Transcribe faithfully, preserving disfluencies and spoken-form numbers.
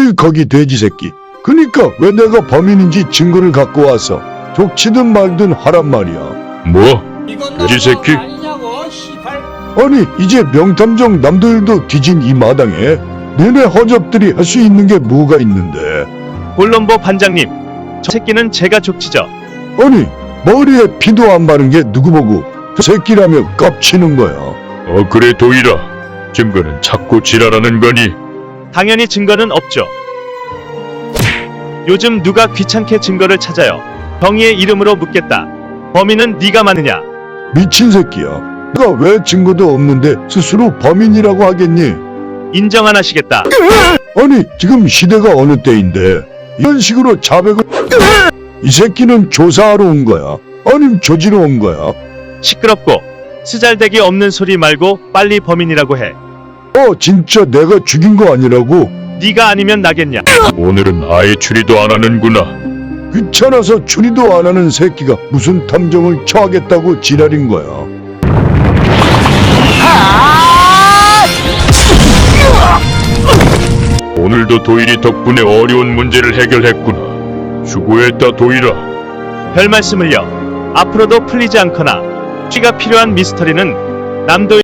어이 거기 돼지 새끼. 그니까 왜 내가 범인인지 증거를 갖고 와서 족치든 말든 하란 말이야. 뭐? 이건 돼지 새끼? 아니냐고 시발. 아니 이제 명탐정 남도일도 뒤진 이 마당에 너네 허접들이 할 수 있는 게 뭐가 있는데. 콜럼보 반장님, 저 새끼는 제가 족치죠. 아니 머리에 피도 안 바른 게 누구 보고 저 새끼라며 깝치는 거야. 어 그래 도일아. 증거는 자꾸 지랄하는 거니? 당연히 증거는 없죠. 요즘 누가 귀찮게 증거를 찾아요. 정의의 이름으로 묻겠다. 범인은 네가 맞느냐? 미친 새끼야. 내가 왜 증거도 없는데 스스로 범인이라고 하겠니? 인정 안 하시겠다. 아니 지금 시대가 어느 때인데 이런 식으로 자백을. 이 새끼는 조사하러 온 거야? 아님 조지러 온 거야? 시끄럽고 쓰잘데기 없는 소리 말고 빨리 범인이라고 해. 어 진짜 내가 죽인 거 아니라고? 네가 아니면 나겠냐? 오늘은 아예 추리도 안 하는구나. 귀찮아서 추리도 안 하는 새끼가 무슨 탐정을 처하겠다고 지랄인 거야. 오늘도 도일이 덕분에 어려운 문제를 해결했구나. 수고했다 도일아. 별 말씀을요. 앞으로도 풀리지 않거나 추리가 필요한 미스터리는 남도